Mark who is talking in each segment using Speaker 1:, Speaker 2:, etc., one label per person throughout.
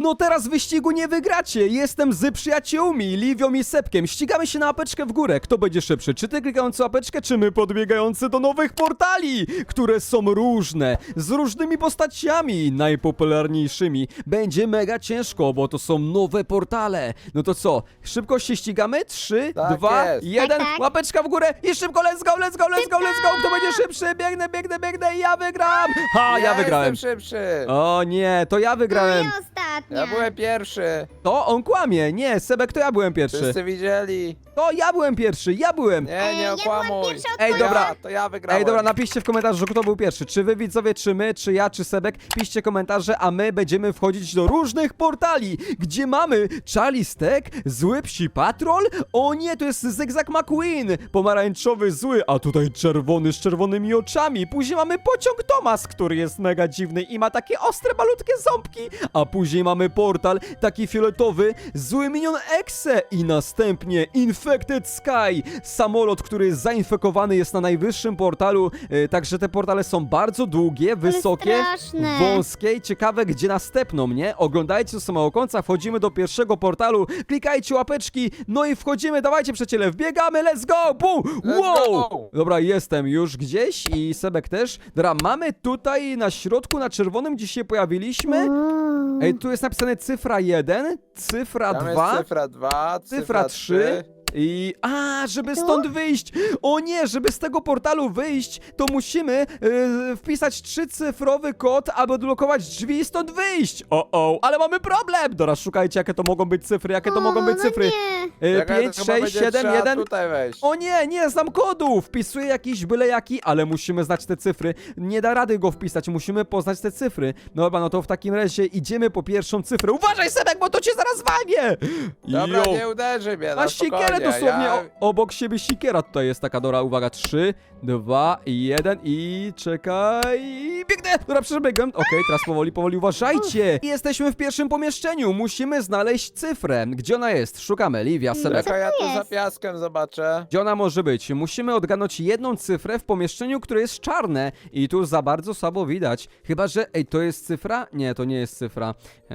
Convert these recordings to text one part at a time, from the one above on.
Speaker 1: No teraz wyścigu nie wygracie. Jestem z przyjaciółmi, Liwią i Sepkiem. Ścigamy się na łapeczkę w górę. Kto będzie szybszy? Czy ty klikający łapeczkę, czy my podbiegający do nowych portali, które są różne, z różnymi postaciami, najpopularniejszymi. Będzie mega ciężko, bo to są nowe portale. No to co? Szybko się ścigamy? 3,
Speaker 2: Tak
Speaker 1: 2,
Speaker 2: jest.
Speaker 1: 1.
Speaker 3: Tak, tak.
Speaker 1: Łapeczka w górę i szybko, let's go, let's go, let's go, let's go. Kto będzie szybszy? Biegnę i ja wygram. Ha, ja wygrałem.
Speaker 2: Jestem szybszy.
Speaker 1: O nie, to ja wygrałem.
Speaker 3: No i ostatnia.
Speaker 2: Ja byłem pierwszy.
Speaker 1: To on kłamie. Nie, Sebek, to ja byłem pierwszy.
Speaker 2: Wszyscy widzieli.
Speaker 1: To ja byłem pierwszy, ja byłem.
Speaker 2: Nie,
Speaker 3: ja
Speaker 2: nie
Speaker 3: byłam
Speaker 2: okłamuj.
Speaker 3: pierwsza od
Speaker 1: Ej,
Speaker 3: końca.
Speaker 1: dobra.
Speaker 2: To ja wygrałem.
Speaker 1: Ej, dobra, napiszcie w komentarzu, kto był pierwszy. Czy wy widzowie, czy my, czy ja, czy Sebek. Piszcie komentarze, a my będziemy wchodzić do różnych portali, gdzie mamy Charlie Stack, zły psi patrol. O nie, to jest Zygzak McQueen, pomarańczowy zły, a tutaj czerwony z czerwonymi oczami. Później mamy pociąg Thomas, który jest mega dziwny i ma takie ostre, malutkie ząbki. A później mamy portal, taki fioletowy, zły minion Exe i następnie Infected Sky, samolot, który jest zainfekowany, jest na najwyższym portalu, także te portale są bardzo długie, wysokie,
Speaker 3: straszne.
Speaker 1: wąskie i ciekawe, gdzie nas tepną, nie? Oglądajcie do samego końca, wchodzimy do pierwszego portalu, klikajcie łapeczki, no i wchodzimy, dawajcie przyjaciele, wbiegamy, let's go, boom,
Speaker 2: Let's
Speaker 1: wow!
Speaker 2: go.
Speaker 1: Dobra, jestem już gdzieś i Sebek też. Dobra, mamy tutaj na środku, na czerwonym, gdzie się pojawiliśmy.
Speaker 3: Uuu.
Speaker 1: Ej, tu jest napisane cyfra 1, cyfra
Speaker 2: Tam
Speaker 1: 2,
Speaker 2: jest cyfra 2,
Speaker 1: cyfra 3 i... żeby stąd wyjść! O nie, żeby z tego portalu wyjść, to musimy wpisać 3-cyfrowy kod, aby odblokować drzwi i stąd wyjść! Ale mamy problem! Dobra, szukajcie, jakie to mogą być cyfry, jakie to mogą być
Speaker 3: no
Speaker 1: cyfry.
Speaker 3: nie.
Speaker 1: 5, 6, 7, 1...
Speaker 2: tutaj wejść.
Speaker 1: O nie, nie znam kodu! Wpisuję jakiś byle jaki, ale musimy znać te cyfry. Nie da rady go wpisać, musimy poznać te cyfry. No dobra, no to w takim razie idziemy po pierwszą cyfrę. Uważaj, Sebek, bo to cię zaraz walnie!
Speaker 2: Dobra,
Speaker 1: Jo.
Speaker 2: nie uderzy mnie,
Speaker 1: A
Speaker 2: no
Speaker 1: sikierę
Speaker 2: spokojnie,
Speaker 1: dosłownie
Speaker 2: ja...
Speaker 1: obok siebie sikiera tutaj jest taka, dobra, uwaga, 3, 2, 1 i czekaj, biegnę! Dobra, przebiegłem, okej, teraz powoli, uważajcie! Jesteśmy w pierwszym pomieszczeniu, musimy znaleźć cyfrę. Gdzie ona jest? Szukamy, Livia, Sebek.
Speaker 2: Czekaj, ja tu
Speaker 3: jest?
Speaker 2: za piaskiem zobaczę.
Speaker 1: Gdzie ona może być? Musimy odgadnąć jedną cyfrę w pomieszczeniu, które jest czarne i tu za bardzo słabo widać. Chyba, że... Ej, to jest cyfra? Nie, to nie jest cyfra.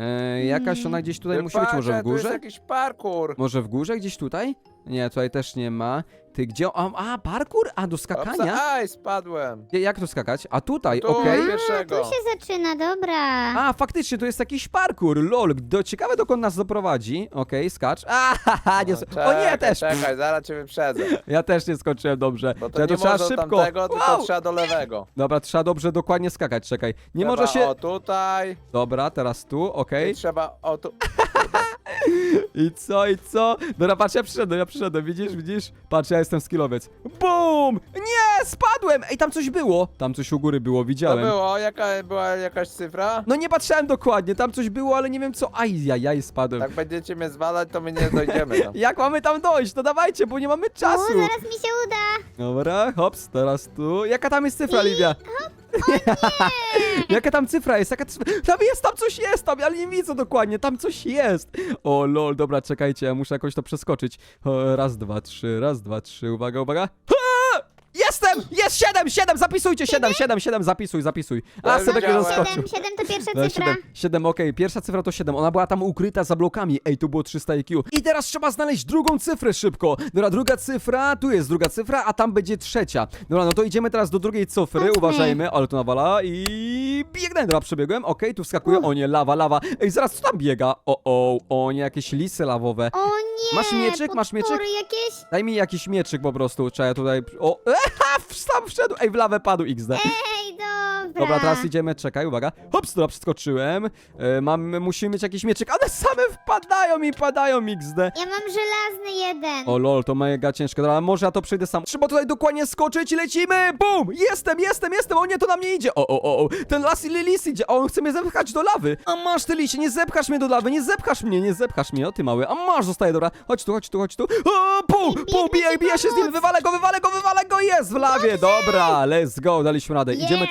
Speaker 1: Jakaś ona gdzieś tutaj musi być, może w
Speaker 2: Patrzę, tu jest
Speaker 1: górze?
Speaker 2: jakiś parkour.
Speaker 1: Może w górze gdzieś tutaj? Nie, tutaj też nie ma. Ty gdzie? Parkour? A, do skakania?
Speaker 2: Aj, spadłem.
Speaker 1: Jak tu skakać? A tutaj,
Speaker 2: Tu.
Speaker 1: okej.
Speaker 3: A,
Speaker 2: Pierwszego.
Speaker 3: tu się zaczyna, dobra.
Speaker 1: A, faktycznie, to jest jakiś parkour, lol. Ciekawe, dokąd nas doprowadzi. Okej, skacz. Nie, o nie, też.
Speaker 2: Czekaj, zaraz cię wyprzedzę.
Speaker 1: Ja też nie skoczyłem dobrze.
Speaker 2: Bo to
Speaker 1: Czekaj,
Speaker 2: nie
Speaker 1: trzeba
Speaker 2: można
Speaker 1: szybko.
Speaker 2: tamtego, tylko
Speaker 1: Wow!
Speaker 2: trzeba do lewego.
Speaker 1: Dobra, trzeba dobrze, dokładnie skakać, czekaj. Nie
Speaker 2: Trzeba
Speaker 1: może się...
Speaker 2: o tutaj.
Speaker 1: Dobra, teraz tu, okej.
Speaker 2: I trzeba o tu.
Speaker 1: I co? Dobra, patrz, ja przyszedłem, widzisz? Patrz, ja jestem skillowiec. BUM! Nie, spadłem! Ej, tam coś było. Tam coś u góry było,
Speaker 2: To
Speaker 1: widziałem.
Speaker 2: było, była jakaś cyfra?
Speaker 1: No nie patrzyłem dokładnie, tam coś było, ale nie wiem co. Ajajaj, spadłem.
Speaker 2: Jak będziecie mnie zwalać, to my nie dojdziemy tam.
Speaker 1: Jak mamy tam dojść? No dawajcie, bo nie mamy
Speaker 3: O,
Speaker 1: czasu.
Speaker 3: zaraz mi się uda.
Speaker 1: Dobra, hops, teraz tu. Jaka tam jest cyfra, Livia? Jaka tam cyfra jest? Tam coś jest, ale nie widzę dokładnie, tam coś jest. O lol, dobra, czekajcie, ja muszę jakoś to przeskoczyć. Raz, dwa, trzy, uwaga. Ha! Jestem! Jest 7, zapisujcie, 7, zapisuj. A,
Speaker 2: Ja
Speaker 1: Sebek nie
Speaker 2: widziałem.
Speaker 1: zaskoczył.
Speaker 3: 7 to pierwsza
Speaker 1: No,
Speaker 3: cyfra.
Speaker 1: 7, okej, pierwsza cyfra to 7, ona była tam ukryta za blokami, ej, tu było 300 IQ. I teraz trzeba znaleźć drugą cyfrę szybko. Dobra, druga cyfra, tu jest druga cyfra, a tam będzie trzecia. Dobra, no to idziemy teraz do drugiej cyfry,
Speaker 3: Chodźmy.
Speaker 1: uważajmy, ale to nawala i biegnę, dobra, przebiegłem, okej, tu wskakuję, o nie, lawa. Ej, zaraz, co tam biega? O nie, jakieś lisy lawowe.
Speaker 3: O nie,
Speaker 1: Masz mieczyk? Masz mieczyk?
Speaker 3: potwory jakieś?
Speaker 1: Daj mi jakiś mieczyk po prostu, trzeba tutaj, sam wszedł, ej, w lawę padł XD.
Speaker 3: Ej, dobra.
Speaker 1: Dobra, teraz idziemy, czekaj, uwaga. Hops, dobra, przeskoczyłem. Musimy mieć jakiś mieczyk. One same wpadają i padają XD.
Speaker 3: Ja mam żelazny jeden.
Speaker 1: O lol, to mega ciężko. Dobra, może ja to przejdę sam. Trzeba tutaj dokładnie skoczyć i lecimy. Bum! Jestem. O nie, to na mnie idzie. O. Ten lis idzie. O, on chce mnie zepchać do lawy. A masz, ty lisie, nie zepchasz mnie do lawy. Nie zepchasz mnie, o ty mały. A masz, zostaje, dobra. Chodź tu. O, bum! Bije się z nim. Wywalę go. Jest w lawie. Dobra, let's go. Daliśmy radę. Idziemy teraz dalej.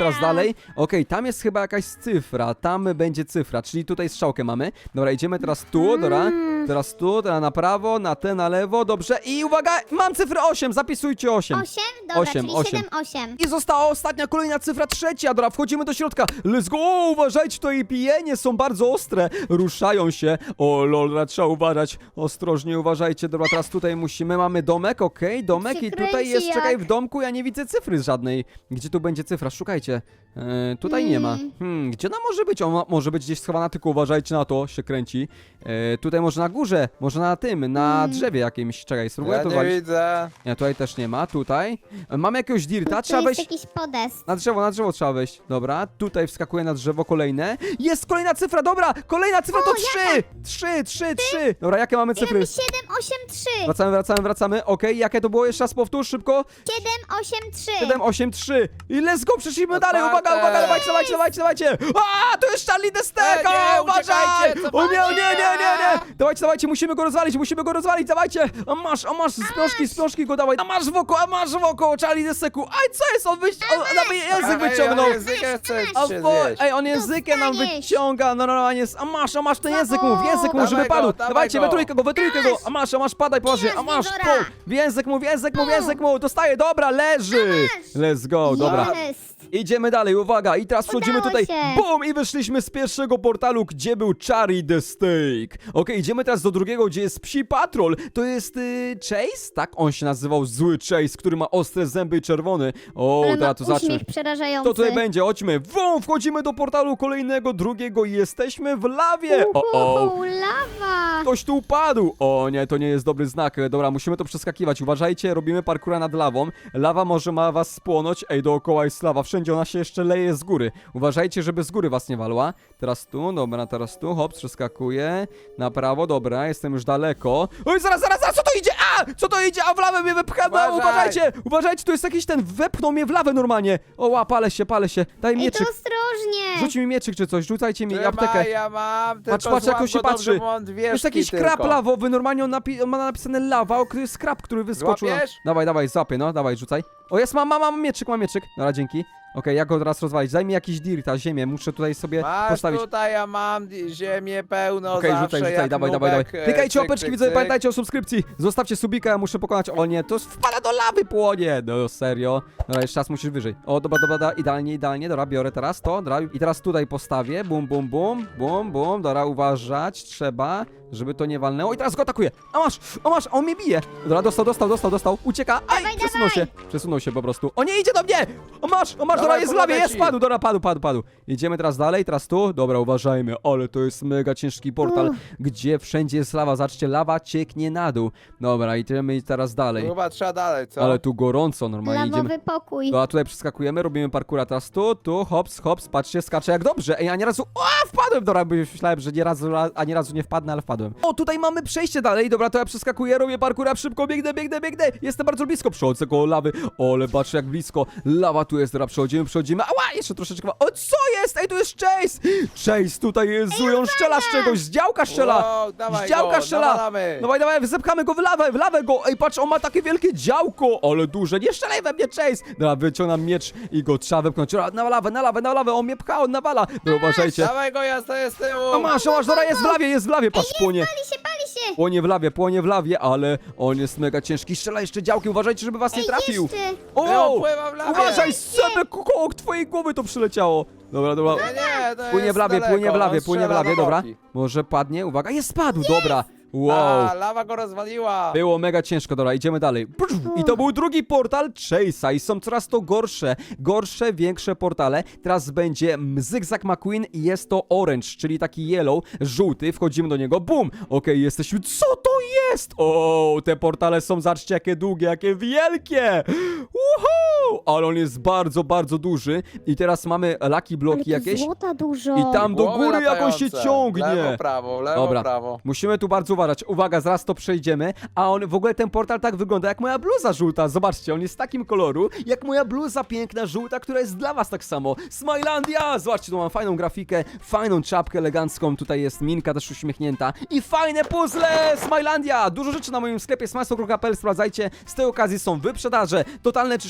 Speaker 1: dalej. Okej, tam jest chyba jakaś cyfra, tam będzie cyfra, czyli tutaj strzałkę mamy. Dobra, idziemy teraz tu, dobra. Teraz tu, teraz na prawo, na te, na lewo, dobrze. I uwaga, mam cyfrę 8, zapisujcie 8.
Speaker 3: 8? Dobra,
Speaker 1: Osiem,
Speaker 3: czyli
Speaker 1: osiem.
Speaker 3: 7, 8.
Speaker 1: I została ostatnia, kolejna cyfra, trzecia. Dobra, wchodzimy do środka. Let's go! O, uważajcie, to i pijenie są bardzo ostre. Ruszają się. O lol, trzeba uważać. Ostrożnie uważajcie. Dobra, teraz tutaj mamy domek, okej, domek.
Speaker 3: się
Speaker 1: I tutaj
Speaker 3: kręci
Speaker 1: jest, czekaj,
Speaker 3: jak-
Speaker 1: w domku ja nie widzę cyfry żadnej. Gdzie tu będzie cyfra? Szukajcie. Tutaj nie ma. Gdzie ona może być? Ona może być gdzieś schowana, tylko uważajcie na to, się kręci. Tutaj może na górze, może na tym, na drzewie jakimś. Czekaj, spróbuję
Speaker 2: Ja
Speaker 1: to
Speaker 2: nie
Speaker 1: walić.
Speaker 2: widzę.
Speaker 1: Nie, tutaj też nie ma, tutaj. Mamy jakiegoś dirta,
Speaker 3: Tu
Speaker 1: trzeba
Speaker 3: jest
Speaker 1: wejść.
Speaker 3: jakiś podest.
Speaker 1: Na drzewo trzeba wejść. Dobra, tutaj wskakuje na drzewo kolejne. Jest kolejna cyfra, dobra! Kolejna cyfra to 3! 3. Dobra, jakie mamy cyfry?
Speaker 3: 7, 8, 3.
Speaker 1: Wracamy. Okej, jakie to było? Jeszcze raz powtórz, szybko.
Speaker 3: 7, 8, 3.
Speaker 1: 7, 8, 3. I let's go, przeszliśmy dalej.
Speaker 2: Otwarte.
Speaker 1: Uwaga, dawajcie. A, to jest Charlie the Stack!
Speaker 2: Nie,
Speaker 1: Uważaj!
Speaker 2: uciekajcie,
Speaker 1: O nie.
Speaker 2: cofacie!
Speaker 1: Dawajcie, musimy go rozwalić, dawajcie! A masz, z piążki go dawaj. A masz w oko, Charlie the Stacku. Aj, co jest? On nawet język wyciągnął. Ej, on językiem nam
Speaker 3: Dostaniesz.
Speaker 1: wyciąga, no normalnie jest. A masz ten język mów, żeby
Speaker 2: Dawaj
Speaker 1: padł.
Speaker 2: go,
Speaker 1: Dawajcie,
Speaker 2: dawaj
Speaker 1: we trójkę go. A masz, padaj poważnie. A masz,
Speaker 3: Dobra.
Speaker 1: w język mów, dostaje, dobra, leży. Let's go, dobra.
Speaker 3: Jest.
Speaker 1: Idziemy dalej, uwaga, i teraz wchodzimy
Speaker 3: Udało
Speaker 1: tutaj,
Speaker 3: się.
Speaker 1: bum, i wyszliśmy z pierwszego portalu, gdzie był Charlie the Steak. Okej, idziemy teraz do drugiego, gdzie jest Psi Patrol. To jest Chase? Tak, on się nazywał Zły Chase, który ma ostre zęby i czerwony. O,
Speaker 3: Ale
Speaker 1: dobra,
Speaker 3: ma
Speaker 1: to zacznę.
Speaker 3: uśmiech przerażający.
Speaker 1: To tutaj będzie, chodźmy. Wchodzimy do portalu kolejnego, drugiego i jesteśmy w lawie.
Speaker 3: Lawa.
Speaker 1: Ktoś tu upadł! O nie, to nie jest dobry znak. Dobra, musimy to przeskakiwać. Uważajcie, robimy parkura nad lawą. Lawa może ma was spłonąć. Ej, dookoła jest lawa. Wszędzie ona się jeszcze leje z góry. Uważajcie, żeby z góry was nie walła. Teraz tu, dobra, teraz tu. Hop, przeskakuję. Na prawo, dobra, jestem już daleko. Oj, zaraz, co to idzie? Co to idzie? A w lawę mnie wypcha.
Speaker 2: Uważaj.
Speaker 1: Uważajcie, tu jest jakiś ten, wepchnął mnie w lawę normalnie. O, palę się. Daj
Speaker 3: Ej, to
Speaker 1: mieczyk.
Speaker 3: ostrożnie.
Speaker 1: Rzuć mi mieczyk czy coś, rzucajcie mi aptekę.
Speaker 2: Ja mam, tylko
Speaker 1: Patrz, jak on
Speaker 2: złap
Speaker 1: się
Speaker 2: go dobrze,
Speaker 1: patrzy.
Speaker 2: bo mam dwie
Speaker 1: To jest jakiś
Speaker 2: szki
Speaker 1: krab
Speaker 2: tylko.
Speaker 1: lawowy, normalnie on ma napisane lawa, to jest krab, który wyskoczył.
Speaker 2: Złapiesz?
Speaker 1: Dawaj, złapię, no, dawaj, rzucaj. O, jest, mam mieczyk. Dobra, dzięki. Okej, jak go teraz rozwalić? Daj mi jakiś dirta, ziemię, muszę tutaj sobie
Speaker 2: Masz
Speaker 1: postawić.
Speaker 2: tutaj, ja mam ziemię pełno
Speaker 1: Okej,
Speaker 2: zawsze,
Speaker 1: rzucaj,
Speaker 2: jak
Speaker 1: dawaj.
Speaker 2: nubek,
Speaker 1: Klikajcie
Speaker 2: cyk,
Speaker 1: łapeczki,
Speaker 2: cyk,
Speaker 1: widzowie,
Speaker 2: cyk.
Speaker 1: pamiętajcie o subskrypcji. Zostawcie subika, ja muszę pokonać. O nie, to wpada do lawy, płonie. No, serio. Dobra, jeszcze raz musisz wyżej. O, dobra, idealnie, dobra, biorę teraz to, dobra. I teraz tutaj postawię, bum, dobra, uważać, trzeba, żeby to nie walnęło. I teraz go atakuję. A masz, on mnie bije. Dobra, dostał, ucieka. Aj,
Speaker 3: Dawaj,
Speaker 1: przesunął się po prostu. O nie, idzie do mnie. O masz, dobra,
Speaker 2: Dawaj,
Speaker 1: jest w lawie,
Speaker 2: pomogę
Speaker 1: jest,
Speaker 2: ci.
Speaker 1: padł, dobra, padł. Idziemy teraz dalej, teraz tu. Dobra, uważajmy, ale to jest mega ciężki portal, gdzie wszędzie jest lawa. Zobaczcie, lawa cieknie na dół. Dobra, idziemy teraz dalej.
Speaker 2: Chyba trzeba dalej, co?
Speaker 1: Ale tu gorąco, normalnie idziemy.
Speaker 3: Lawowy pokój.
Speaker 1: No, a tutaj przeskakujemy, robimy parkura teraz tu, hops, patrzcie, skaczę jak dobrze. Ej, ani razu, wpadłem, dobra, bo myślałem, że ani razu nie wpadnę, ale wpadłem. O, tutaj mamy przejście dalej, dobra, to ja przeskakuję, robię parkura, szybko, biegnę. Jestem bardzo blisko, przechodzę koło lawy. O, ale patrzę jak blisko. Lawa tu jest, dobra, przechodzimy. Ała, jeszcze troszeczkę. O, co jest? Ej, tu jest Chase! Chase tutaj jest zły, on strzela z czegoś, z działka strzela.
Speaker 2: Wow, dawaj
Speaker 1: z działka
Speaker 2: go,
Speaker 1: strzela.
Speaker 2: nawalamy.
Speaker 1: Dawaj, zepchamy go w lawę go. Ej, patrz, on ma takie wielkie działko, ale duże. Nie strzelaj we mnie, Chase. Dobra, wyciągam miecz i go trzeba wepchnąć. Na lawę, on mnie pcha, on nawala. No, uważajcie.
Speaker 2: Dawaj go, ja stoję z tyłu.
Speaker 1: A masz, dobra, jest w lawie, patrz, płonie.
Speaker 3: Pali się.
Speaker 1: Płonie w lawie, ale on jest mega ciężki. Strzela jeszcze działkiem, uważajcie, żeby was nie trafił.
Speaker 3: Jeszcze.
Speaker 1: O!
Speaker 2: Pływam w lawie.
Speaker 1: Uważaj, sebek koło twojej głowy to przyleciało. Dobra.
Speaker 2: Nie, to
Speaker 1: Płynie
Speaker 2: jest
Speaker 1: w lawie,
Speaker 2: daleko, on
Speaker 1: płynie w
Speaker 2: strzela
Speaker 1: lawie,
Speaker 2: do
Speaker 1: dobra.
Speaker 2: boki.
Speaker 1: Może padnie, uwaga, jest, spadł, dobra. Wow.
Speaker 2: A, lawa go rozwaliła.
Speaker 1: Było mega ciężko, dobra, idziemy dalej. I to był drugi portal Chase'a i są coraz to gorsze, większe portale. Teraz będzie Zygzak McQueen i jest to orange, czyli taki yellow, żółty. Wchodzimy do niego, bum! Okej, jesteśmy, co to jest? O, te portale są, zobaczcie, jakie długie, jakie wielkie! Uhu! Ale on jest bardzo, bardzo duży. I teraz mamy lucky bloki
Speaker 3: Ale tu
Speaker 1: jakieś.
Speaker 3: złota dużo.
Speaker 1: I tam do
Speaker 2: Głowy
Speaker 1: góry jak on się
Speaker 2: latające.
Speaker 1: ciągnie.
Speaker 2: Lewo, prawo,
Speaker 1: Dobra.
Speaker 2: prawo.
Speaker 1: Musimy tu bardzo uważać. Uwaga, zaraz to przejdziemy. A on, w ogóle ten portal tak wygląda jak moja bluza żółta. Zobaczcie, on jest takim koloru, jak moja bluza piękna, żółta, która jest dla was tak samo. Smilandia! Zobaczcie, tu mam fajną grafikę, fajną czapkę elegancką. Tutaj jest minka też uśmiechnięta. I fajne puzzle! Smilandia! Dużo rzeczy na moim sklepie smajslo.pl, sprawdzajcie. Z tej okazji są wyprzedaże, totalne czyszczenie magazynu.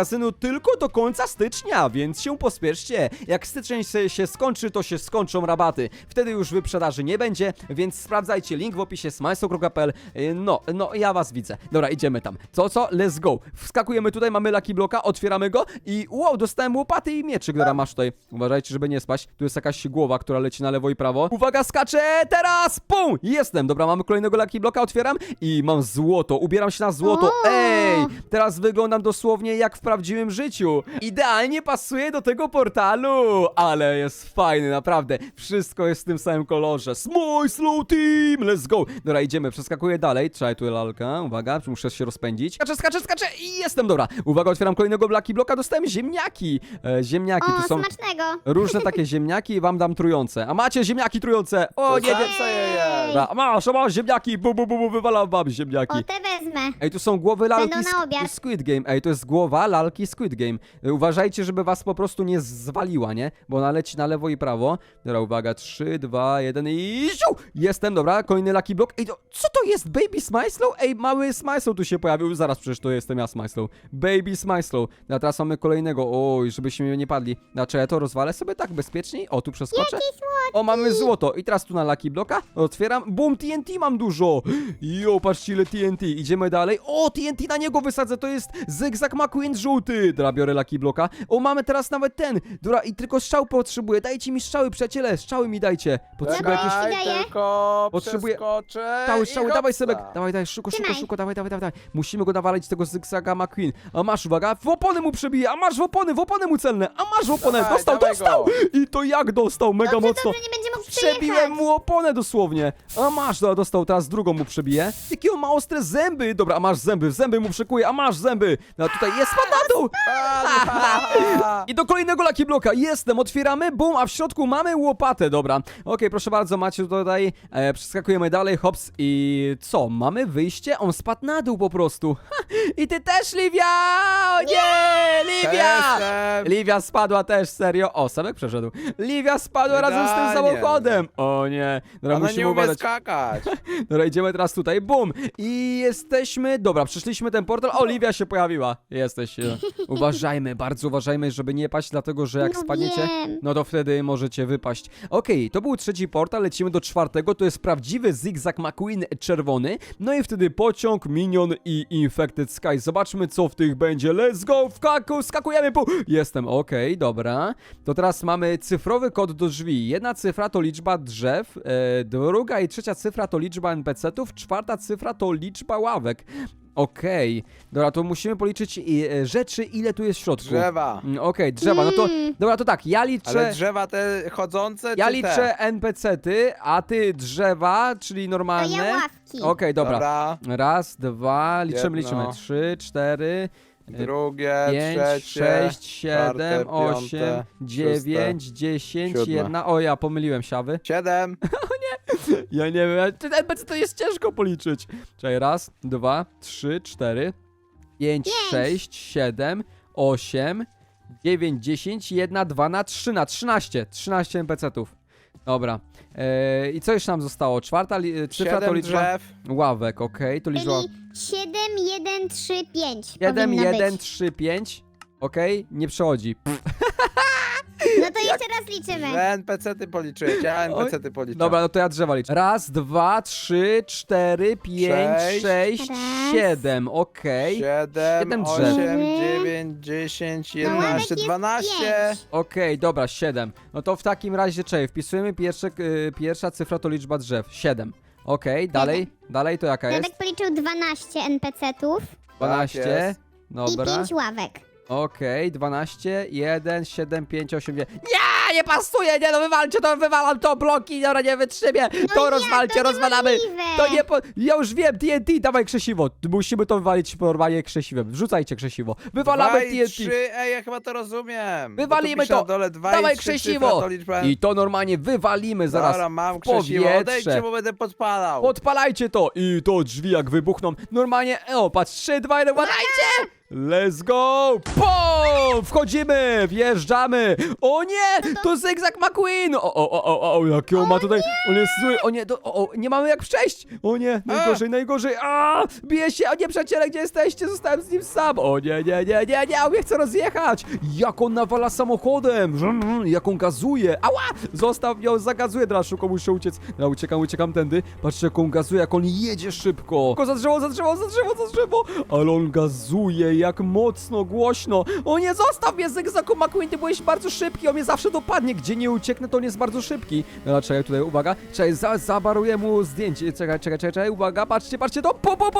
Speaker 1: magazynu tylko do końca stycznia, więc się pospieszcie. Jak styczeń się skończy, to się skończą rabaty. Wtedy już wyprzedaży nie będzie, więc sprawdzajcie link w opisie smajso.pl. No, ja was widzę. Dobra, idziemy tam. Co? Let's go. Wskakujemy tutaj, mamy Lucky Blocka, otwieramy go i wow, dostałem łopaty i mieczyk, która masz tutaj. Uważajcie, żeby nie spaść. Tu jest jakaś głowa, która leci na lewo i prawo. Uwaga, skaczę teraz! Pum! Jestem. Dobra, mamy kolejnego Lucky Blocka, otwieram i mam złoto. Ubieram się na złoto.
Speaker 3: O!
Speaker 1: Ej! Teraz wyglądam dosłownie jak w prawdziwym życiu. Idealnie pasuje do tego portalu. Ale jest fajny, naprawdę. Wszystko jest w tym samym kolorze. Smoj Slow Team! Let's go! Dobra, idziemy. Przeskakuję dalej. Trzeba tu lalka. Uwaga, muszę się rozpędzić. Skaczę i jestem. Dobra. Uwaga, otwieram kolejnego Lucky Blocka. Dostałem ziemniaki. Ziemniaki.
Speaker 3: O,
Speaker 1: Tu są
Speaker 3: smacznego.
Speaker 1: różne takie ziemniaki i wam dam trujące. A macie ziemniaki trujące? O, nie, nie.
Speaker 2: Co je jest?
Speaker 1: Dobra, masz ziemniaki. Wywalam wam ziemniaki.
Speaker 3: O, te wezmę.
Speaker 1: Ej, tu są głowy lalki
Speaker 3: Będą na obiad.
Speaker 1: Squid Game. Ej, to jest głowa lalki Squid Game. Uważajcie, żeby was po prostu nie zwaliła, nie? Bo ona leci na lewo i prawo. Dobra, uwaga, 3, 2, 1 i... Ziu! Jestem, dobra, kolejny Lucky Block. Ej, co to jest? Baby Smyslow? Ej, mały Smyslow tu się pojawił. Zaraz, przecież to jestem ja, Smyslow. Baby Smyslow. A teraz mamy kolejnego. Oj, żebyśmy nie padli. Znaczy, ja to rozwalę sobie tak bezpieczniej. O, tu przeskoczę. O, mamy złoto. I teraz tu na Lucky Blocka otwieram. Boom, TNT mam dużo. Jo, patrzcie ile TNT. Idziemy dalej. O, TNT na niego wysadzę. To jest Zygzak McQueen żółty. Dobra, biorę Lucky Blocka. O, mamy teraz nawet ten. Dobra, i tylko strzał potrzebuję. Dajcie mi strzały, przyjaciele. Strzały mi dajcie. Potrzebuję jakieś...
Speaker 3: Czekaj. daje?
Speaker 2: Tylko
Speaker 1: Potrzebuję-
Speaker 2: przeskoczę
Speaker 1: Strzały,
Speaker 2: i
Speaker 1: dawaj
Speaker 2: hopsa.
Speaker 1: Sebek. Dawaj, szybko,
Speaker 3: Trzymaj.
Speaker 1: dawaj. Musimy go nawalić tego Zygzaka McQueen. A masz, uwaga, w opony mu przebije. A masz w opony mu celne. A masz w opony.
Speaker 2: Dawaj, dawaj
Speaker 1: Dostał.
Speaker 2: go.
Speaker 1: I to jak dostał? Mega
Speaker 3: Dobrze,
Speaker 1: mocno.
Speaker 3: dobrze, nie będzie mógł
Speaker 1: Przebiłem
Speaker 3: przyjechać.
Speaker 1: mu oponę dosłownie. A masz, dobra, dostał, teraz drugą mu przebiję. Jakie on ma ostre zęby. Dobra, a masz zęby mu przekuję, a masz zęby. No tutaj jest, spadł na dół. I do kolejnego Lucky Blocka jestem, otwieramy, bum, a w środku mamy łopatę, dobra. Okej, proszę bardzo, macie tutaj, przeskakujemy dalej, hops i co, mamy wyjście? On spadł na dół po prostu. I ty też, Livia! O nie, Livia!
Speaker 2: Jestem.
Speaker 1: Livia spadła też, serio. O, Sebek przeszedł. Livia spadła razem z tym
Speaker 2: Idealnie.
Speaker 1: samochodem. O nie, dobra,
Speaker 2: Ona
Speaker 1: musimy
Speaker 2: nie umie
Speaker 1: uważać.
Speaker 2: skakać.
Speaker 1: Dobra, idziemy teraz tutaj, bum! I jesteśmy, dobra, przeszliśmy ten portal, Oliwia się pojawiła. Jesteś, uważajmy, bardzo uważajmy, żeby nie paść, dlatego, że jak
Speaker 3: No
Speaker 1: spadniecie,
Speaker 3: wiem.
Speaker 1: no to wtedy możecie wypaść. Okej, to był trzeci portal, lecimy do czwartego, to jest prawdziwy Zygzak McQueen czerwony, no i wtedy pociąg, minion i Infected Sky. Zobaczmy, co w tych będzie, let's go, skakujemy, jestem, okej, dobra. To teraz mamy cyfrowy kod do drzwi, jedna cyfra to liczba drzew, druga i trzecia cyfra to liczba NPC-ów, czwarta cyfra to liczba ławek. Okej, dobra, to musimy policzyć rzeczy, ile tu jest w środku.
Speaker 2: Drzewa.
Speaker 1: Okej, drzewa, no to, dobra, to tak, ja
Speaker 2: Ale
Speaker 1: liczę...
Speaker 2: drzewa te chodzące,
Speaker 1: Ja
Speaker 2: czy
Speaker 1: liczę NPC-ty, a ty drzewa, czyli
Speaker 3: To
Speaker 1: normalne.
Speaker 3: ja ławki.
Speaker 1: Okej, dobra.
Speaker 2: Dobra.
Speaker 1: Raz, dwa, liczymy.
Speaker 2: Jedno.
Speaker 1: 3, 4,
Speaker 2: Drugie,
Speaker 1: 5,
Speaker 2: trzecie,
Speaker 1: 6, 7,
Speaker 2: czwarte,
Speaker 1: 8,
Speaker 2: piąte,
Speaker 1: 9, 10,
Speaker 2: siódme.
Speaker 1: 1. O, ja pomyliłem siawy.
Speaker 2: 7.
Speaker 1: Ja nie wiem, czy NPC to jest ciężko policzyć. Czekaj, raz, 2, 3, 4, 5, 6, 7, 8, 9, 10, 1, 2 na 3 na 13. 13 NPC-ów. Dobra. I co jeszcze nam zostało? Czwarta cyfra to
Speaker 2: 7
Speaker 1: liczba
Speaker 2: drzew.
Speaker 1: ławek, okej, to liczba...
Speaker 3: Czyli 7, 1, 3, 5
Speaker 1: 7,
Speaker 3: powinno
Speaker 1: 1,
Speaker 3: być.
Speaker 1: 3, 5. Okej, nie przechodzi.
Speaker 3: No to jeszcze raz liczymy.
Speaker 2: Że NPC-ty policzyłeś, ja NPC-ty policzę.
Speaker 1: Dobra, no to ja drzewa liczę. Raz, 2, 3, 4, 5, 6,
Speaker 3: Raz.
Speaker 1: 7. Okej.
Speaker 2: 7,
Speaker 1: Siedem drzew.
Speaker 2: 8, 9, 10,
Speaker 3: No ławek
Speaker 2: 11,
Speaker 3: jest
Speaker 2: 12.
Speaker 3: 5.
Speaker 1: Okej, dobra, 7. No to w takim razie, czekaj, wpisujemy pierwsza cyfra to liczba drzew. 7. Okej, dalej to jaka jest?
Speaker 3: Radek policzył 12 NPC-ów
Speaker 1: 12.
Speaker 2: Tak jest.
Speaker 3: i
Speaker 1: Dobra.
Speaker 3: 5 ławek.
Speaker 1: Okej, 12, 1, 7, 5, 8, 9. Nie pasuje, nie no wywalcie to, wywalam to, bloki, dobra, nie wytrzymię. To
Speaker 3: jak?
Speaker 1: rozwalcie,
Speaker 3: To
Speaker 1: rozwalamy.
Speaker 3: niemożliwe.
Speaker 1: To nie ja już wiem, TNT, dawaj krzesiwo. Musimy to wywalić normalnie krzesiwem. Wrzucajcie krzesiwo. Wywalamy
Speaker 2: 2 i
Speaker 1: TNT.
Speaker 2: 3, ej, ja chyba to rozumiem.
Speaker 1: Wywalimy
Speaker 2: Bo tu pisze
Speaker 1: to.
Speaker 2: Na dole 2
Speaker 1: Dawaj
Speaker 2: i 3
Speaker 1: krzesiwo.
Speaker 2: cyfra to liczba...
Speaker 1: I to normalnie wywalimy zaraz
Speaker 2: Dobra, mam
Speaker 1: w
Speaker 2: krzesiwo,
Speaker 1: powietrze.
Speaker 2: odejdźcie, bo będę podpalał.
Speaker 1: Podpalajcie to i to drzwi jak wybuchną. Normalnie, o patrz, 3, 2, 1, uważajcie! Let's go! Pum! Wchodzimy! Wjeżdżamy! O nie! To Zygzak McQueen! O, jaki on ma tutaj... On jest zły! O nie, nie mamy jak przejść! O nie, najgorzej! Bije się! O nie, przyjaciele, gdzie jesteście? Zostałem z nim sam! O nie, on mnie chce rozjechać! Jak on nawala samochodem! Jak on gazuje! Ała! Zostaw ją, zagazuje! Teraz szybko muszę uciec. Uciekam tędy. Patrzcie, jak on gazuje, jak on jedzie szybko! Tylko za drzewo! Ale on gazuje, jak mocno, głośno! O nie, zostaw mnie, Zygzaku McQueen, ty byłeś bardzo szybki, on mnie zawsze dopadnie, gdzie nie ucieknę, to on jest bardzo szybki. Dobra, czekaj, tutaj, uwaga, zabaruję mu zdjęcie, czekaj, uwaga, patrzcie, to,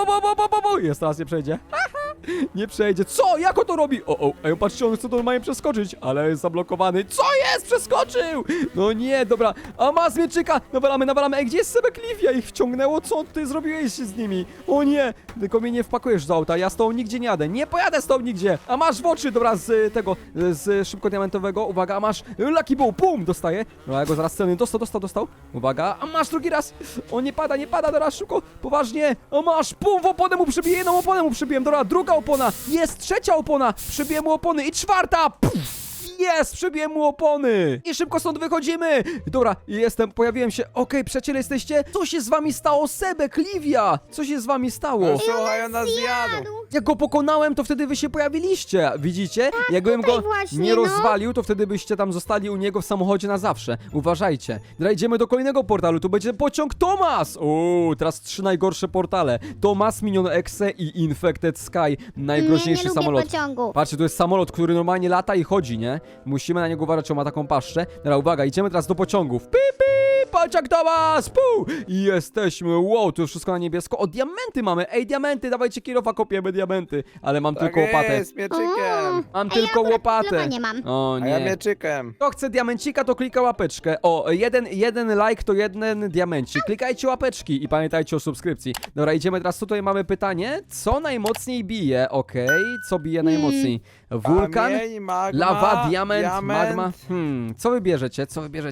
Speaker 1: jest, teraz nie przejdzie. Nie przejdzie. Co? Jak on to robi? Ej, patrzcie, on chce normalnie przeskoczyć, ale jest zablokowany. Co jest? Przeskoczył! No nie, dobra. A ma z mieczyka! Nawalamy. Ej, gdzie jest Sebek Livia? Ich wciągnęło? Co ty zrobiłeś z nimi? O nie! Tylko mnie nie wpakujesz do auta. Ja z tobą nigdzie nie jadę. Nie pojadę z tobą nigdzie. A masz w oczy, dobra, z tego, z szybko diamentowego. Uwaga, a masz Lucky Ball. Pum! Dostaję. Dobra, ja go zaraz celny. Dostał. Uwaga, a masz drugi raz. O, nie pada. Dobra, szybko. Poważnie. A masz. Pum! W oponę mu przybiję. Jedną oponę mu przybiłem. Dobra, druga opona. Jest trzecia opona. Przybiję mu opony. I czwarta. Puf! Jest! Przybiłem mu opony! I szybko stąd wychodzimy! Dobra, pojawiłem się. Okej, przyjaciele, jesteście? Co się z wami stało? Sebek, Livia! Co się z wami stało?
Speaker 2: Słuchaj, on nas zjadł.
Speaker 1: Jak go pokonałem, to wtedy wy się pojawiliście. Widzicie? Jakbym go
Speaker 3: właśnie,
Speaker 1: nie
Speaker 3: no.
Speaker 1: rozwalił, to wtedy byście tam zostali u niego w samochodzie na zawsze. Uważajcie. Dobra, idziemy do kolejnego portalu. Tu będzie pociąg Thomas! Teraz 3 najgorsze portale. Thomas, Minion Exe i Infected Sky. Najgroźniejszy
Speaker 3: nie lubię
Speaker 1: samolot.
Speaker 3: pociągu.
Speaker 1: Patrzcie, to jest samolot, który normalnie lata i chodzi, nie? Musimy na niego uważać, on ma taką paszczę. Dobra, uwaga, idziemy teraz do pociągów. Pociąg Thomas! Puu! I jesteśmy. Wow, tu wszystko na niebiesko. O, diamenty mamy. Ej, diamenty, dawajcie kilofa, kopiemy diamenty. Ale mam tylko łopatę.
Speaker 2: Jest, mieczykiem.
Speaker 1: Mam
Speaker 3: A
Speaker 1: tylko
Speaker 3: ja akurat
Speaker 1: łopatę.
Speaker 3: kilofa nie mam.
Speaker 1: O
Speaker 2: A ja
Speaker 1: nie.
Speaker 2: mieczykiem.
Speaker 1: Kto chce diamencika, to klika łapeczkę. O, jeden like to jeden diamencik. Klikajcie łapeczki i pamiętajcie o subskrypcji. Dobra, idziemy teraz. Tutaj mamy pytanie. Co najmocniej bije? Okej, co bije najmocniej? Wulkan,
Speaker 2: Kamień, magma,
Speaker 1: lawa, diament, magma. Co wybierzecie?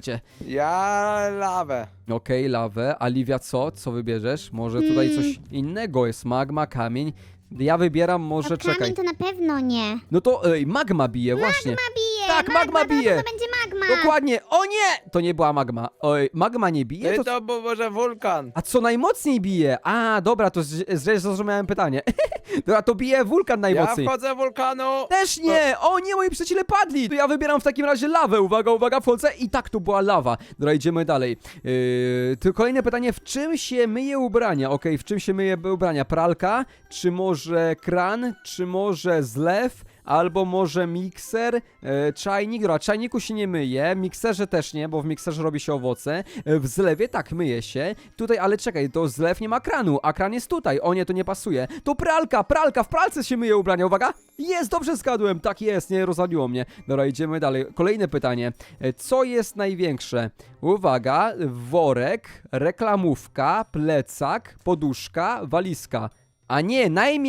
Speaker 2: Ja lawę.
Speaker 1: Okej, lawę. A Livia co? Co wybierzesz? Może tutaj coś innego jest. Magma, kamień. Ja wybieram może, czekaj.
Speaker 3: Kamień to na pewno nie.
Speaker 1: No to magma bije, właśnie.
Speaker 3: Magma bije!
Speaker 1: Tak, magma bije.
Speaker 3: To będzie magma!
Speaker 1: Dokładnie. O nie! To nie była magma. Oj, magma nie bije?
Speaker 2: Ty to był może wulkan.
Speaker 1: A co najmocniej bije? A, dobra, to źle zrozumiałem pytanie. Dobra, to bije wulkan
Speaker 2: Ja
Speaker 1: najmocniej.
Speaker 2: wchodzę w wulkanu.
Speaker 1: Też nie! O nie, moi przyjaciele padli! To ja wybieram w takim razie lawę. Uwaga, wchodzę i tak, to była lawa. Dobra, idziemy dalej. To kolejne pytanie, w czym się myje ubrania? Okej, w czym się myje ubrania? Pralka? Czy może kran? Czy może zlew? Albo może mikser, czajnik, dobra, czajniku się nie myje, mikserze też nie, bo w mikserze robi się owoce, w zlewie tak, myje się, tutaj, ale czekaj, to zlew nie ma kranu, a kran jest tutaj, o nie, to nie pasuje, to pralka, w pralce się myje ubrania, uwaga, jest, dobrze zgadłem, tak jest, nie rozwaliło mnie, dobra, idziemy dalej, kolejne pytanie, co jest największe? Uwaga, worek, reklamówka, plecak, poduszka, walizka. A nie,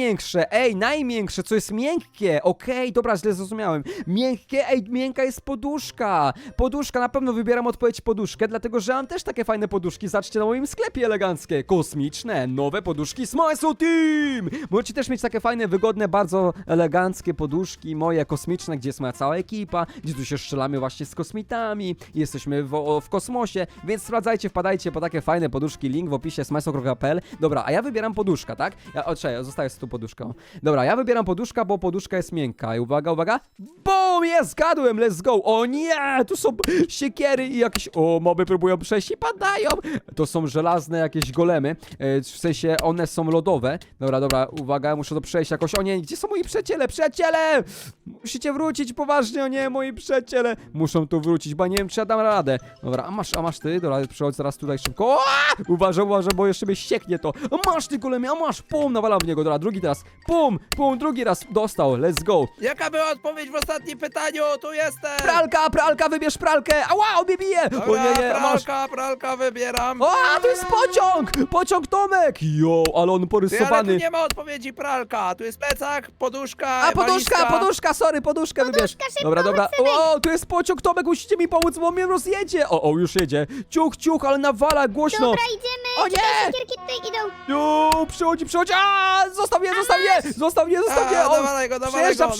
Speaker 1: najmiększe, co jest miękkie, okej, dobra, źle zrozumiałem. Miękkie, miękka jest poduszka. Poduszka, na pewno wybieram odpowiedź poduszkę, dlatego że mam też takie fajne poduszki, zobaczcie na moim sklepie eleganckie, kosmiczne, nowe poduszki Smile Team! Możecie też mieć takie fajne, wygodne, bardzo eleganckie poduszki, moje kosmiczne, gdzie jest moja cała ekipa, gdzie tu się strzelamy właśnie z kosmitami, jesteśmy w kosmosie, więc sprawdzajcie, wpadajcie po takie fajne poduszki, link w opisie smile.pl. Dobra, a ja wybieram poduszka, tak? Czekaj, zostaję z tą poduszką. Dobra, ja wybieram poduszka, bo poduszka jest miękka. I uwaga. BOOM! Jest, zgadłem, let's go! O nie! Tu są siekiery i jakieś... O, moby próbują przejść i padają! To są żelazne jakieś golemy. W sensie, one są lodowe. Dobra, uwaga, muszę to przejść jakoś. O nie, gdzie są moi przyjaciele? Przyjaciele! Musicie wrócić, poważnie, o nie, moi przyjaciele! Muszą tu wrócić, bo nie wiem, czy ja dam radę. Dobra, a masz ty? Dobra, przychodź zaraz tutaj szybko. O! Uważaj, bo jeszcze mnie ścieknie to. A masz ty, golemie, a masz! Pum, nawalam w niego, dobra, drugi teraz. Pum, drugi raz, dostał, let's go.
Speaker 2: Jaka była odpowiedź w ostatnim pytaniu? Tu jestem.
Speaker 1: Pralka, wybierz pralkę. Ała, on mnie bije.
Speaker 2: Dobra,
Speaker 1: O nie, masz.
Speaker 2: pralka wybieram.
Speaker 1: O, to jest pociąg Tomek. Jo, ale on
Speaker 2: Ty, ale tu
Speaker 1: porysowany.
Speaker 2: nie ma odpowiedzi pralka. Tu jest plecak, poduszka,
Speaker 1: A,
Speaker 2: walizka.
Speaker 1: poduszka, sorry, poduszkę wybierz.
Speaker 3: szybko,
Speaker 1: Dobra.
Speaker 3: chodź,
Speaker 1: O, tu jest pociąg Tomek, musicie mi pomóc, bo on mnie rozjedzie. O, już jedzie. Ciuch, ale nawala głośno.
Speaker 3: Dobra, idziemy!
Speaker 1: O nie!
Speaker 3: Siekierki tutaj idą.
Speaker 1: Jo, przychodzi! A, zostaw mnie! Zostaw mnie! On
Speaker 2: Dawaj go, dawaj go,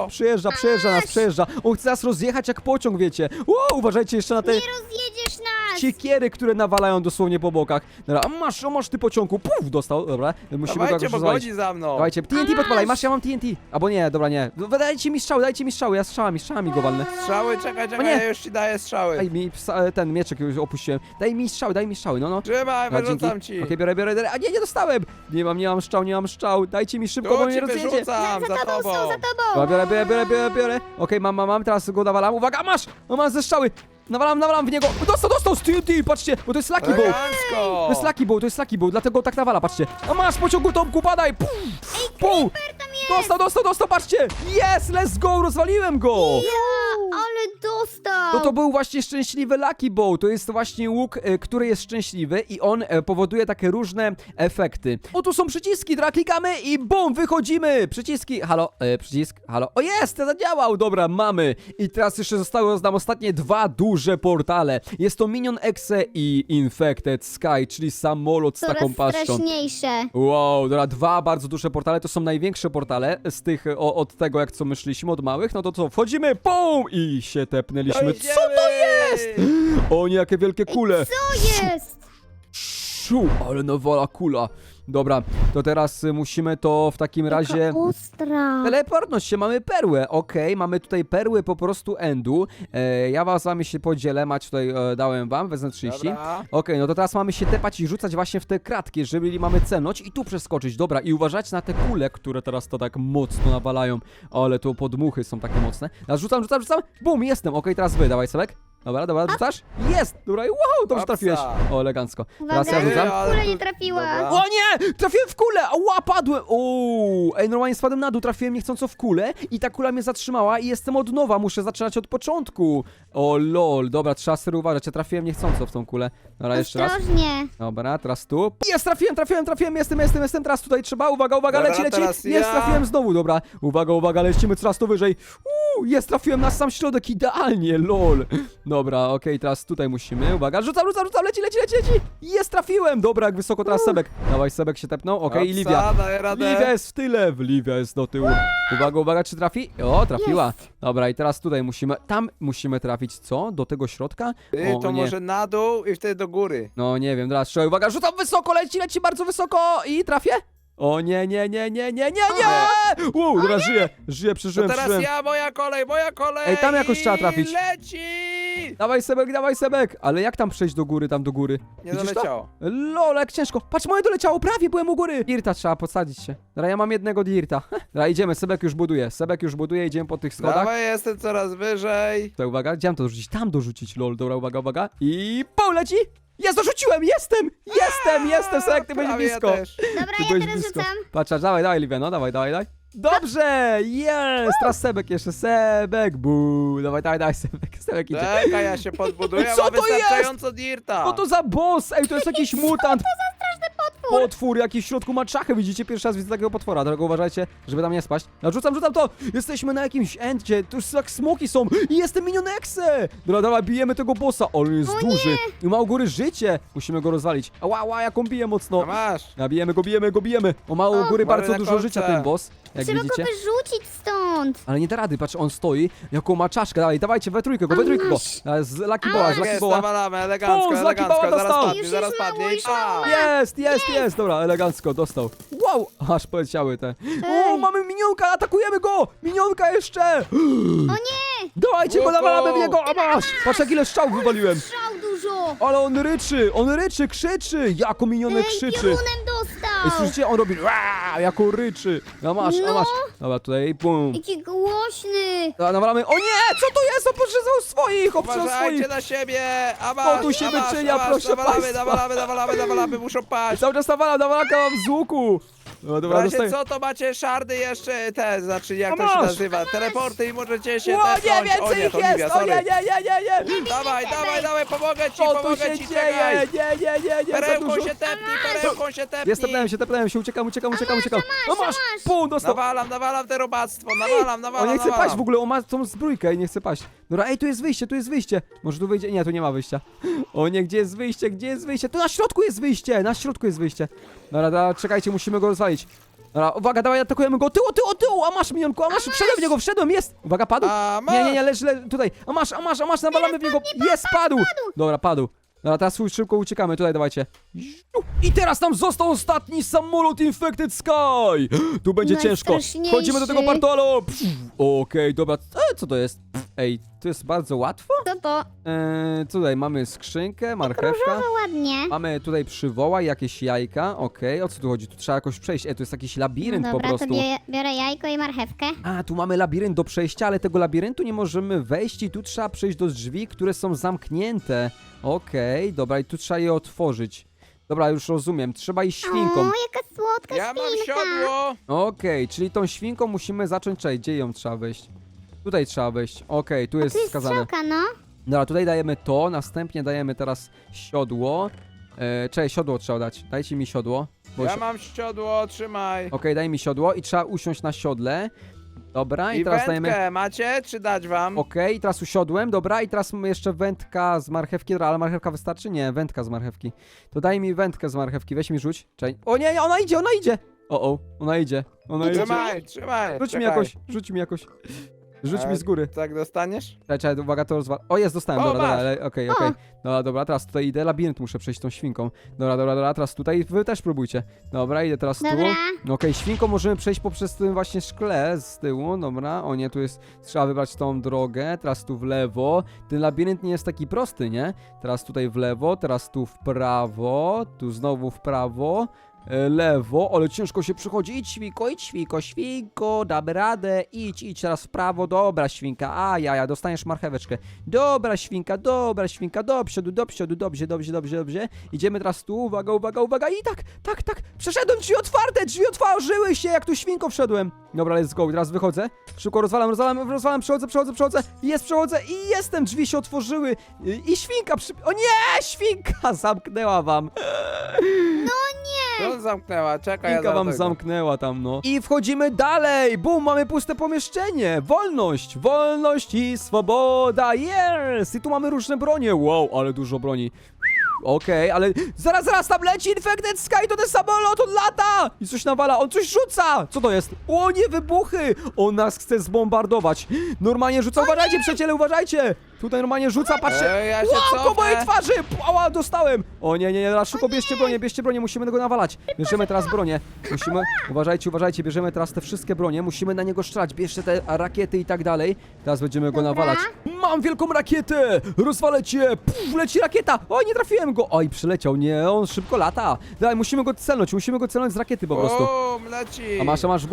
Speaker 1: przejeżdża. On chce nas rozjechać jak pociąg, wiecie. Wow, uważajcie jeszcze na te
Speaker 3: Nie rozjedziesz nas.
Speaker 1: siekiery, które nawalają dosłownie po bokach. Dobra, a masz ty pociągu. Puf, dostał, dobra. Musimy go
Speaker 2: Dawajcie,
Speaker 1: jakoś
Speaker 2: bo
Speaker 1: rozwalić.
Speaker 2: godzi za mną.
Speaker 1: Dawajcie, TNT podpalaj, ja mam TNT. Albo nie, dobra, nie. Dajcie mi strzały, ja strzałami go walnę.
Speaker 2: Strzały, czekaj,
Speaker 1: nie.
Speaker 2: ja już ci daję strzały.
Speaker 1: Daj mi ten mieczek już opuściłem. Daj mi strzały, no.
Speaker 2: Trzymaj,
Speaker 1: Dobra,
Speaker 2: wyrzucam
Speaker 1: dzięki.
Speaker 2: ci.
Speaker 1: Okej, biorę. A nie dostałem. Nie mam strzał. Dajcie mi szybko, bo
Speaker 2: Tu
Speaker 1: mnie
Speaker 2: ci
Speaker 1: rozjedzie.
Speaker 2: wyrzucam,
Speaker 3: Za
Speaker 2: za
Speaker 3: tobą
Speaker 2: tobą.
Speaker 3: są, za tobą.
Speaker 1: Dobra, biorę. Okej, mam, teraz go nawalam. Uwaga, masz! Mam ze strzały. Nawalam w niego. Dostał z TNT, patrzcie, bo to jest Lucky Bow.
Speaker 2: Elegancko.
Speaker 1: To jest Lucky Bow, dlatego tak nawala, patrzcie. A masz, pociągu Tomku, padaj! Pum! Dostał, patrzcie! Yes, let's go, rozwaliłem go!
Speaker 3: Ale dostał.
Speaker 1: No to był właśnie szczęśliwy Lucky Bow. To jest właśnie łuk, który jest szczęśliwy i on powoduje takie różne efekty. O, tu są przyciski, dobra, klikamy i bum, wychodzimy! Przyciski, przycisk, halo. O, jest, zadziałał, dobra, mamy. I teraz jeszcze zostały nam ostatnie dwa duże portale. Jest to Minion Exe i Infected Sky, czyli samolot z
Speaker 3: Coraz
Speaker 1: taką paszczą.
Speaker 3: straszniejsze.
Speaker 1: Wow, dobra, dwa bardzo duże portale, to są największe portale z tych, od tego jak co my szliśmy, od małych, no to co, wchodzimy, pum! I się tepnęliśmy. Co to jest? O nie, jakie wielkie kule!
Speaker 3: Co jest?
Speaker 1: Szu, ale nawala kula. Dobra, to teraz musimy to w takim razie...
Speaker 3: Taka ostra.
Speaker 1: Teleportnąć się, mamy perłę, okej, mamy tutaj perły po prostu endu. Ja z wami się podzielę, macie tutaj, dałem wam, wezmę 30.
Speaker 2: Dobra.
Speaker 1: Okej, no to teraz mamy się tepać i rzucać właśnie w te kratki, jeżeli mamy celność i tu przeskoczyć. Dobra, i uważajcie na te kule, które teraz to tak mocno nawalają. Ale to podmuchy są takie mocne. Teraz rzucam. Bum, jestem. Okej, teraz wy, dawaj Sebek. Dobra, rzucasz? Jest! Dobra, i wow, dobrze
Speaker 2: Hopsa.
Speaker 1: trafiłeś. O, elegancko. Teraz
Speaker 3: Uwaga,
Speaker 1: ja rzucam.
Speaker 2: ale
Speaker 3: kula
Speaker 2: tu-
Speaker 3: nie trafiła.
Speaker 2: Dobra.
Speaker 1: O nie! Trafiłem w kulę! Ła, padłem! Uuu, ej, normalnie spadłem na dół, trafiłem niechcąco w kulę i ta kula mnie zatrzymała i jestem od nowa, muszę zaczynać od początku. O lol, dobra, trzeba sobie uważać, ja trafiłem niechcąco w tą kulę. Dobra, jeszcze raz.
Speaker 3: Ostrożnie.
Speaker 1: Dobra, teraz tu. Jest, trafiłem, jestem, teraz tutaj trzeba, uwaga,
Speaker 2: Dobra,
Speaker 1: leci.
Speaker 2: teraz
Speaker 1: Jest,
Speaker 2: ja.
Speaker 1: trafiłem znowu, dobra. Uwaga, lecimy coraz to wyżej. Jest, trafiłem na sam środek, idealnie, lol. Dobra, okej, teraz tutaj musimy, uwaga, rzucam, leci. Jest, trafiłem, dobra, jak wysoko teraz Sebek. Dawaj, Sebek się tepnął, okej, i
Speaker 2: Hopsa,
Speaker 1: Livia.
Speaker 2: daję radę.
Speaker 1: Livia jest w tyle, Livia jest do tyłu. Uwaga, czy trafi? O, trafiła. Dobra, i teraz tutaj musimy trafić, co? Do tego środka?
Speaker 2: Ty,
Speaker 1: O,
Speaker 2: to
Speaker 1: nie.
Speaker 2: może na dół i wtedy do góry.
Speaker 1: No nie wiem, teraz strzelaj, uwaga, rzucam wysoko, leci bardzo wysoko i trafię? O nie. Wow, dobra, żyję,
Speaker 2: To
Speaker 1: przeżyłem.
Speaker 2: teraz ja, moja kolej.
Speaker 1: Ej, tam jakoś trzeba trafić.
Speaker 2: Leci!
Speaker 1: Dawaj Sebek, ale jak tam przejść do góry,
Speaker 2: Nie
Speaker 1: Widzisz to?
Speaker 2: doleciało.
Speaker 1: Lol, jak ciężko. Patrz, moje doleciało, prawie byłem u góry. Dirta trzeba podsadzić się. Dobra, ja mam jednego dirta. Dobra, idziemy, Sebek już buduje, idziemy po tych schodach.
Speaker 2: Dawaj, jestem coraz wyżej.
Speaker 1: Tutaj, uwaga, gdzie mam to dorzucić? Tam dorzucić, lol, dobra, uwaga. I leci! Jest, dorzuciłem, jestem, Sebek, ty byłeś
Speaker 2: Prawie
Speaker 1: blisko.
Speaker 2: Ja też.
Speaker 3: Dobra,
Speaker 1: Ty
Speaker 3: ja
Speaker 1: byłeś
Speaker 3: teraz
Speaker 1: blisko.
Speaker 3: rzucam.
Speaker 1: Patrz, dawaj, Livia, no, dawaj. Dobrze, jest, teraz Sebek jeszcze, Sebek, buu, dawaj, Sebek idzie.
Speaker 2: Czekaj, ja się podbuduję,
Speaker 1: Co
Speaker 2: mam
Speaker 1: to jest?
Speaker 2: wystarczająco dirta.
Speaker 1: Co to za boss? Ej, to jest jakiś mutant. Potwór, jakiś w środku ma czachę, widzicie? Pierwszy raz widzę takiego potwora, dlatego uważajcie, żeby tam nie spaść. No, rzucam to! Jesteśmy na jakimś endzie, tu już jak smoki są i jestem Minion Exe! Dobra, bijemy tego bossa, on jest duży i ma u góry życie, musimy go rozwalić. Ała, jak on bije mocno.
Speaker 2: A masz.
Speaker 1: A bijemy go. On ma u góry
Speaker 2: mamy
Speaker 1: bardzo
Speaker 2: na
Speaker 1: dużo
Speaker 2: kolce.
Speaker 1: życia, ten boss, jak
Speaker 3: Trzeba
Speaker 1: widzicie.
Speaker 3: go wyrzucić stąd.
Speaker 1: Ale nie da rady, patrz, on stoi, jaką ma czaszkę, dawajcie, we trójkę go.
Speaker 3: masz.
Speaker 1: Z Lucky Boa, z Lucky
Speaker 2: Jest,
Speaker 1: Boa.
Speaker 2: nawalamy, elegancko,
Speaker 1: O, z Lucky Boa dostał.
Speaker 2: zaraz
Speaker 3: Już jest
Speaker 2: padnie
Speaker 3: mało,
Speaker 2: i
Speaker 3: już mało.
Speaker 2: pa!
Speaker 1: Jest, dobra, elegancko, dostał. Wow, aż poleciały te. O,
Speaker 3: Ej.
Speaker 1: mamy minionka, atakujemy go! Minionka jeszcze!
Speaker 3: O nie!
Speaker 1: Dawajcie go,
Speaker 2: Łuku!
Speaker 1: nawalamy w niego, a masz! Patrz, jak ile strzał wywaliłem.
Speaker 3: Strzał dużo.
Speaker 1: Ale on ryczy, krzyczy, jako minionek krzyczy.
Speaker 3: Piorunem
Speaker 1: Ej,
Speaker 3: dostał.
Speaker 1: słyszycie, on robi jako ryczy. A masz. Dobra, tutaj, bum.
Speaker 3: Jaki głośny.
Speaker 1: Dobra, nawalamy, o nie, co to jest? On potrzebował swoich,
Speaker 2: Uważajcie na siebie! A
Speaker 1: O,
Speaker 2: masz,
Speaker 1: tu się
Speaker 2: a masz,
Speaker 1: wyczynia,
Speaker 2: a masz,
Speaker 1: proszę państwa.
Speaker 2: nawalamy, muszą paść.
Speaker 1: Cały czas nawalam, mam z łuku. No
Speaker 2: W
Speaker 1: dobra,
Speaker 2: razie
Speaker 1: dostaję.
Speaker 2: co, to macie szardy jeszcze te, znaczy jak
Speaker 1: A
Speaker 2: to się
Speaker 1: masz!
Speaker 2: nazywa, teleporty i możecie się
Speaker 1: O, nie,
Speaker 2: tepnąć. O
Speaker 1: więcej
Speaker 2: nie,
Speaker 1: ich
Speaker 2: to Livia,
Speaker 1: jest! O
Speaker 2: sorry.
Speaker 1: nie!
Speaker 2: Dawaj, pomogę ci,
Speaker 1: Co tu
Speaker 2: pomogę
Speaker 1: się
Speaker 2: ci,
Speaker 1: dzieje?
Speaker 2: czekaj.
Speaker 1: Nie, za
Speaker 2: Perełką
Speaker 1: dużo.
Speaker 2: się tepnij.
Speaker 1: Jest, tepnąłem się, uciekam. No masz!
Speaker 3: masz.
Speaker 1: Pum, dostał.
Speaker 2: Nawalam te robactwo, nawalam.
Speaker 1: On nie chce paść w ogóle, on ma tą zbrójkę i nie chce paść. Dobra, ej, tu jest wyjście. Może tu wyjdzie? Nie, tu nie ma wyjścia. O nie, gdzie jest wyjście? Tu na środku jest wyjście. Dobra, czekajcie, musimy go rozwalić. Dobra, uwaga, dawaj, atakujemy go. Tyłu, a masz minionku, a masz, wszedłem, jest. Uwaga, padł.
Speaker 2: A, masz.
Speaker 1: Nie, leż, tutaj. A masz, nawalamy w niego. Jest, padł. Dobra, padł. Dobra, teraz szybko uciekamy, tutaj dawajcie. I teraz nam został ostatni samolot Infected Sky. Tu będzie ciężko.
Speaker 3: Najstraszniejszy.
Speaker 1: Wchodzimy do tego portalu. Okej, dobra. Co to jest? Ej, to jest bardzo łatwo.
Speaker 3: Co to?
Speaker 1: Tutaj mamy skrzynkę, marchewka.
Speaker 3: Różowo ładnie.
Speaker 1: Mamy tutaj przywołaj jakieś jajka. Okej, o co tu chodzi? Tu trzeba jakoś przejść. To jest jakiś labirynt
Speaker 3: No
Speaker 1: po
Speaker 3: dobra,
Speaker 1: prostu.
Speaker 3: to biorę jajko i marchewkę.
Speaker 1: A, tu mamy labirynt do przejścia, ale tego labiryntu nie możemy wejść i tu trzeba przejść do drzwi, które są zamknięte. Okej, dobra, i tu trzeba je otworzyć. Dobra, już rozumiem. Trzeba iść świnką.
Speaker 3: O, jaka słodka
Speaker 2: Ja mam
Speaker 3: świnka.
Speaker 2: siodło.
Speaker 1: Okej, czyli tą świnką musimy zacząć. Czekaj, gdzie ją trzeba wejść? Tutaj trzeba wejść. Okej, tu jest
Speaker 3: Tu jest
Speaker 1: wskazane.
Speaker 3: strzałka, no.
Speaker 1: Dobra, tutaj dajemy to, następnie dajemy teraz siodło. Czekaj, siodło trzeba dać. Dajcie mi siodło.
Speaker 2: Ja mam siodło, trzymaj.
Speaker 1: Okej, daj mi siodło i trzeba usiąść na siodle. Dobra, i
Speaker 2: I
Speaker 1: teraz
Speaker 2: wędkę
Speaker 1: dajemy...
Speaker 2: macie, czy dać wam?
Speaker 1: Okej, teraz usiodłem, dobra, i teraz mamy jeszcze wędka z marchewki. Dobra, ale marchewka wystarczy? Nie, wędka z marchewki. To daj mi wędkę z marchewki, weź mi rzuć. Czekaj. O nie, ona idzie! Ona idzie.
Speaker 2: Trzymaj,
Speaker 1: Rzuć mi jakoś. Rzuć mi z góry.
Speaker 2: Tak dostaniesz?
Speaker 1: Czekaj, uwaga, to rozwal. O, jest, dostałem,
Speaker 2: O,
Speaker 1: dobra,
Speaker 2: masz.
Speaker 1: ale okej.
Speaker 3: O.
Speaker 1: Dobra, teraz tutaj idę, labirynt muszę przejść tą świnką. Dobra, teraz tutaj, wy też próbujcie. Dobra, idę teraz tu.
Speaker 3: Dobra.
Speaker 1: Okej, świnką możemy przejść poprzez tym właśnie szkle z tyłu, dobra. O nie, tu jest, trzeba wybrać tą drogę, teraz tu w lewo. Ten labirynt nie jest taki prosty, nie? Teraz tutaj w lewo, teraz tu w prawo, tu znowu w prawo. Lewo, ale ciężko się przychodzi. Idź świnko, damy radę. Idź teraz w prawo, dobra świnka. A ja, dostaniesz marcheweczkę. Dobra świnka, do przodu, dobrze. Idziemy teraz tu, uwaga. I tak, przeszedłem, drzwi otworzyły się, jak tu świnko wszedłem. Dobra, let's go, teraz wychodzę. Szybko rozwalam, przechodzę. Przechodzę i jestem, drzwi się otworzyły. I świnka O nie, świnka zamknęła wam.
Speaker 2: To zamknęła, czekaj, ja
Speaker 1: Świnka wam
Speaker 2: zaraz
Speaker 1: zamknęła tam, no. I wchodzimy dalej! Bum, mamy puste pomieszczenie! Wolność i swoboda! Yes! I tu mamy różne bronie. Wow, ale dużo broni. Okej, ale zaraz tam leci Infected Sky, to ten samolot, on lata! I coś nawala, on coś rzuca! Co to jest? O nie, wybuchy! On nas chce zbombardować. Normalnie rzuca, uważajcie, przyjaciele, uważajcie! Tutaj normalnie rzuca, patrzcie.
Speaker 2: Ja się
Speaker 1: Wow, po mojej
Speaker 2: cofnę.
Speaker 1: twarzy! Ała, dostałem! O nie, teraz szybko bierzcie bronię, musimy go nawalać. Bierzemy teraz bronię. Uważajcie, bierzemy teraz te wszystkie bronie, musimy na niego strzelać. Bierzcie te rakiety i tak dalej. Teraz będziemy go
Speaker 3: Dobra.
Speaker 1: nawalać. Mam wielką rakietę! Rozwalę cię! Puf, leci rakieta! Oj, nie trafiłem go! Oj, przyleciał, nie, on szybko lata. Daj, musimy go celnąć z rakiety po prostu.
Speaker 2: Bum, leci.
Speaker 1: A masz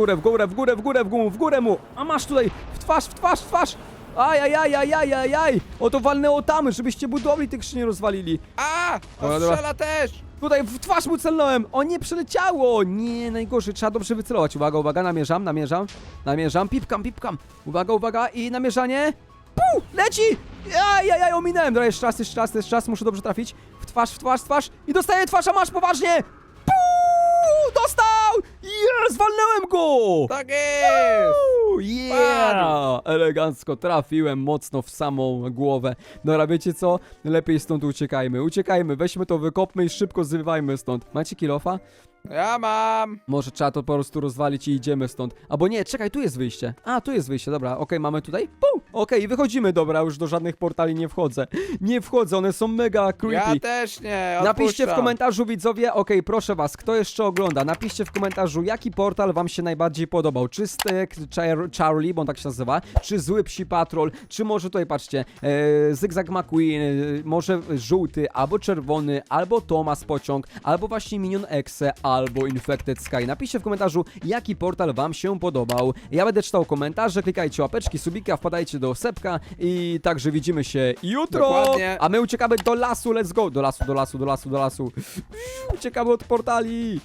Speaker 1: w górę mu! A masz tutaj, w twarz! Ajajaj! Oto walnęło tam, żebyście budowli tych skrzyni rozwalili.
Speaker 2: A!
Speaker 1: Dobra,
Speaker 2: On
Speaker 1: dobra.
Speaker 2: strzela też!
Speaker 1: Tutaj w twarz mu celnąłem! O nie, przeleciało! Nie, najgorzej, trzeba dobrze wycelować. Uwaga, namierzam, pipkam. Uwaga, i namierzanie. Puu, leci! Ajajaj, ominąłem. Dobra, jeszcze raz, muszę dobrze trafić. W twarz i dostaję twarz, a masz poważnie! Puu, dostał! Yes, walnąłem go!
Speaker 2: Tak jest!
Speaker 1: Yeah! Elegancko trafiłem mocno w samą głowę. Dobra, wiecie co? Lepiej stąd uciekajmy, weźmy to, wykopmy i szybko zrywajmy stąd. Macie kilofa?
Speaker 2: Ja mam!
Speaker 1: Może trzeba to po prostu rozwalić i idziemy stąd. Albo nie, czekaj, tu jest wyjście. A, tu jest wyjście, dobra, okej, mamy tutaj. Pum! Okej, wychodzimy, dobra, już do żadnych portali nie wchodzę. one są mega creepy.
Speaker 2: Ja też nie,
Speaker 1: Napiszcie w
Speaker 2: odpuszczam.
Speaker 1: komentarzu, widzowie, proszę was, kto jeszcze ogląda, napiszcie w komentarzu, jaki portal wam się najbardziej podobał. Czy Stek Charlie, bo on tak się nazywa, czy Zły Psi Patrol, czy może tutaj, patrzcie, Zygzak McQueen, może żółty, albo czerwony, albo Thomas Pociąg, albo właśnie Minion Exe, albo Infected Sky. Napiszcie w komentarzu, jaki portal wam się podobał. Ja będę czytał komentarze, klikajcie łapeczki, subika, wpadajcie do Sepka i także widzimy się jutro.
Speaker 2: Dokładnie.
Speaker 1: A my uciekamy do lasu, let's go! Do lasu. Uciekamy od portali.